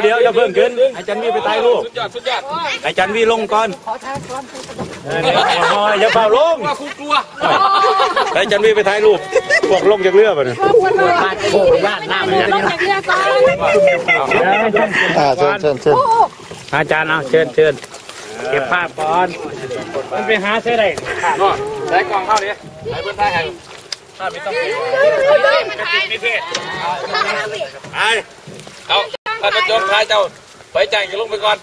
อย่าเพิ่งขึ้นอาจารย์วีไปถ่ายรูปสุดยอดอาจารย์วีลงก่อนอย่าเฝ้าลงว่าคุณกลัวอาจารย์วีไปถ่ายรูปพวกลงจากเรือป่ะเนี่ยโอ้ยหน้ามันจะลงจากเรือก่อนเชิญอาจารย์เอาเชิญเก็บภาพก่อนมันไปหาใช่ไหมก็ใช้กล่องเข้าดิใช้เพื่อนท่าแห่งถ้าไม่ต้องมีเพศเอาท่านประจงท้ายเจ้าไปจ่ายกันลงไปก่อน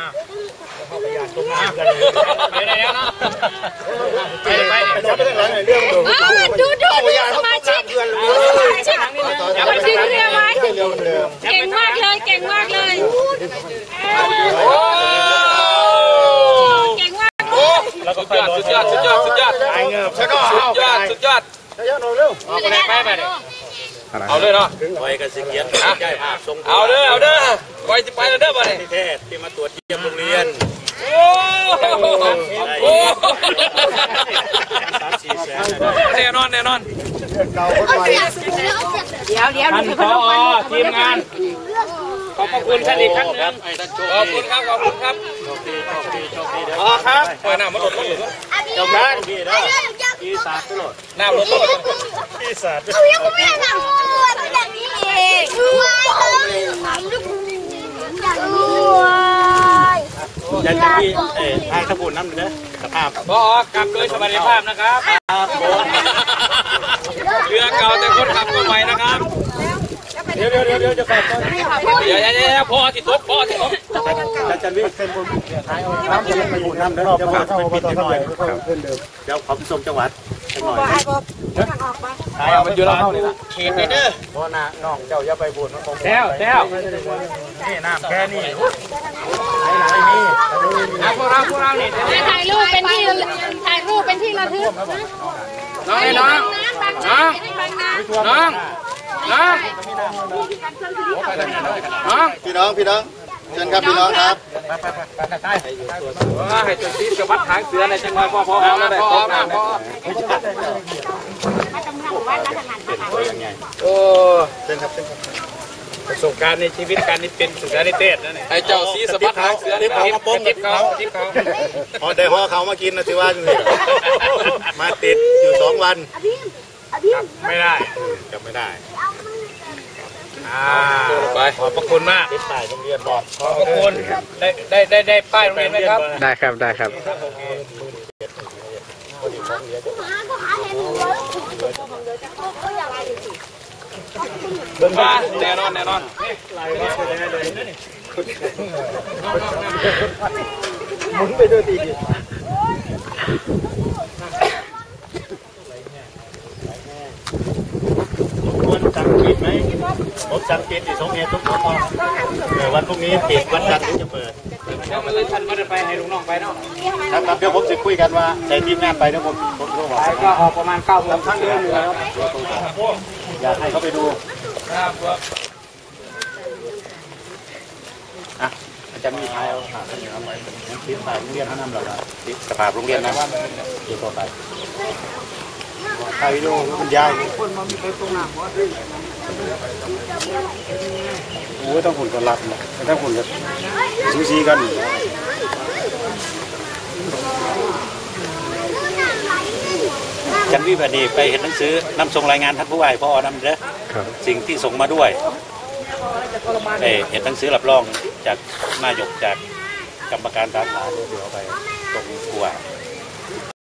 ดูสมาชิกมาดึงเรือไว้เก่งมากเลยเก่งมากเลยเก่งมากสุดยอดเอาเลยเนาะไว้กันสิเกียรติใกล้ภาพทรงเอาเด้อไว้จะไปเด้อบ่เนี่ยเทศที่มาตรวจเยี่ยมโรงเรียนแน่นอนเดี๋ยวท่านผอทีมงานขอบคุณท่านอีกครั้งนึงขอบคุณครับครับปล่อยน้ำมาหลดจบแล้วพี่สาดตลอดน้ำหลดพี่สาดเอายังไม่ได้ทำแบบนี้เองยันจะมีทางสมุนน้ำเนื้อสภาพพอกลับโดยสวัสดิภาพนะครับเรือเก่าแต่คนขับก็ใหม่นะครับเดี๋ยวจะขับอย่าพอที่ตกอาจารย์วิเศษท้ายน้ำจะไปบุญน้ำเดี๋ยวจะฝากไปปิดหน่อยเดี๋ยวขอไปส่งจังหวัดหน่อยมันอยู่แล้วเขตเด้อเพราะน้องเจ้าอย่าไปบุญแต้วนี่น้ำแค่นี้พวกเราเนี่ยถ่ายรูปเป็นที่ระลึกพี่น้องเชิญครับพี่น้องครับให้จุดที่จะวัดทางเสือในจังหวัดพอแล้วได้โอ้เชิญครับประสบการณ์ในชีวิตการนี้เป็นสุดยอดในเทศนั่นเองไอ้เจ้าสีสะบัดทางเสือที่เขามาป้องทิพเขาพอได้ห่อเขามากินนะสิว่ามาติดอยู่2 วันไม่ได้จับไม่ได้ไปขอบพระคุณมากติดป้ายโรงเรียนบอกขอบพระคุณได้ป้ายโรงเรียนไหมครับได้ครับแน่นอนหมุนไปด้วยดีวันจันทร์ปิดไหมผมจันทร์ปิดที่2 เมตรทุกคนวันพรุ่งนี้ปิดวันจันทร์ถึงจะเปิดเดี๋ยวมันเลยท่านมาไปให้ลุงน้องไปเนาะครับเดี๋ยวผมจะคุยกันว่าในทีมงานไปเดี๋ยวผมรู้ว่าก็ออกประมาณ9 โมงทั้งเดือนอยู่แล้วอยากให้เขาไปดูอาจารย์มีท้ายเอาติดป้ายโรงเรียนท่านนำเราติดสภาพโรงเรียนนะเดี๋ยวต่อไปถ่ายวิดีโอมันยาวโอ้ต้องหุ่นกันรับนะต้องหุ่นกันซูซีกันจันวิพดีไปเห็นหนังสือนำส่งรายงานท่านผู้ว่าพ่อนำเด้อสิ่งที่ส่งมาด้วยเห็นหนังสือรับรองจากนายกจากกรรมการสาขาเดี๋ยวเอาไป